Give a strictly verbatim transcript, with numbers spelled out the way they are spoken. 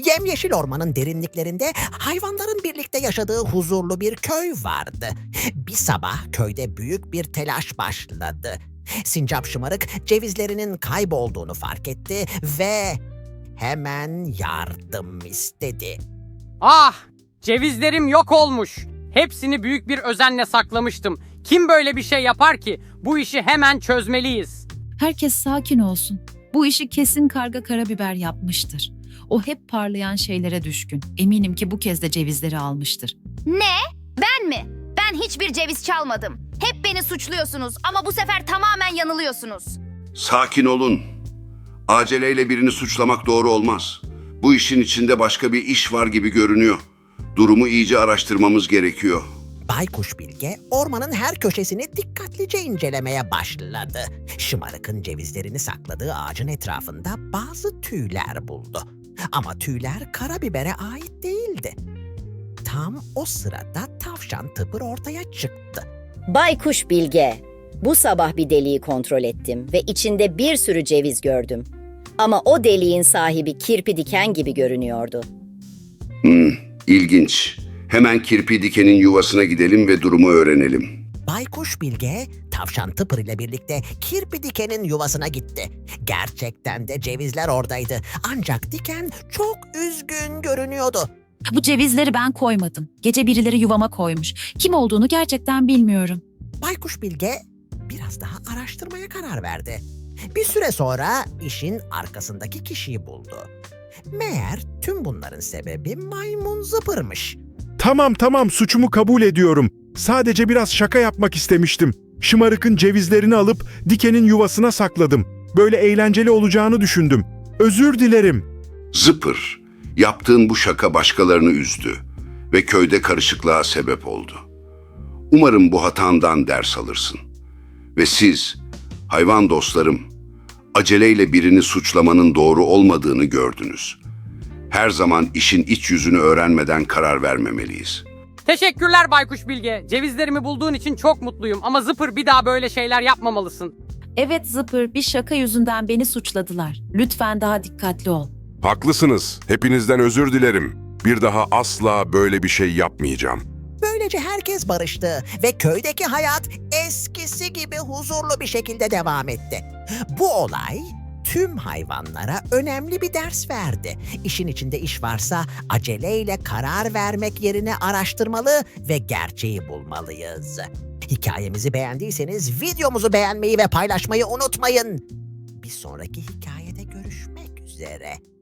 Yemyeşil ormanın derinliklerinde hayvanların birlikte yaşadığı huzurlu bir köy vardı. Bir sabah köyde büyük bir telaş başladı. Sincap Şımarık cevizlerinin kaybolduğunu fark etti ve hemen yardım istedi. Ah! Cevizlerim yok olmuş. Hepsini büyük bir özenle saklamıştım. Kim böyle bir şey yapar ki? Bu işi hemen çözmeliyiz. Herkes sakin olsun. Bu işi kesin Karga Karabiber yapmıştır. O hep parlayan şeylere düşkün. Eminim ki bu kez de cevizleri almıştır. Ne? Ben mi? Ben hiçbir ceviz çalmadım. Hep beni suçluyorsunuz ama bu sefer tamamen yanılıyorsunuz. Sakin olun. Aceleyle birini suçlamak doğru olmaz. Bu işin içinde başka bir iş var gibi görünüyor. Durumu iyice araştırmamız gerekiyor. Baykuş Bilge ormanın her köşesini dikkatlice incelemeye başladı. Şımarık'ın cevizlerini sakladığı ağacın etrafında bazı tüyler buldu. Ama tüyler Karabibere ait değildi. Tam o sırada tavşan Tıpır ortaya çıktı. Baykuş Bilge, bu sabah bir deliği kontrol ettim ve içinde bir sürü ceviz gördüm. Ama o deliğin sahibi kirpi diken gibi görünüyordu. Hmm, ilginç. Hemen kirpi dikenin yuvasına gidelim ve durumu öğrenelim. Baykuş Bilge, tavşan Tıpır ile birlikte kirpi dikenin yuvasına gitti. Gerçekten de cevizler oradaydı. Ancak diken çok üzgün görünüyordu. Bu cevizleri ben koymadım. Gece birileri yuvama koymuş. Kim olduğunu gerçekten bilmiyorum. Baykuş Bilge biraz daha araştırmaya karar verdi. Bir süre sonra işin arkasındaki kişiyi buldu. Meğer tüm bunların sebebi maymun Zıpır'mış. Tamam tamam suçumu kabul ediyorum. Sadece biraz şaka yapmak istemiştim. Şımarık'ın cevizlerini alıp dikenin yuvasına sakladım. Böyle eğlenceli olacağını düşündüm. Özür dilerim. Zıpır, yaptığın bu şaka başkalarını üzdü ve köyde karışıklığa sebep oldu. Umarım bu hatandan ders alırsın. Ve siz, hayvan dostlarım, aceleyle birini suçlamanın doğru olmadığını gördünüz. Her zaman işin iç yüzünü öğrenmeden karar vermemeliyiz. Teşekkürler Baykuş Bilge. Cevizlerimi bulduğun için çok mutluyum ama Zıpır bir daha böyle şeyler yapmamalısın. Evet Zıpır, bir şaka yüzünden beni suçladılar. Lütfen daha dikkatli ol. Haklısınız. Hepinizden özür dilerim. Bir daha asla böyle bir şey yapmayacağım. Böylece herkes barıştı ve köydeki hayat eskisi gibi huzurlu bir şekilde devam etti. Bu olay tüm hayvanlara önemli bir ders verdi. İşin içinde iş varsa aceleyle karar vermek yerine araştırmalı ve gerçeği bulmalıyız. Hikayemizi beğendiyseniz videomuzu beğenmeyi ve paylaşmayı unutmayın. Bir sonraki hikayede görüşmek üzere.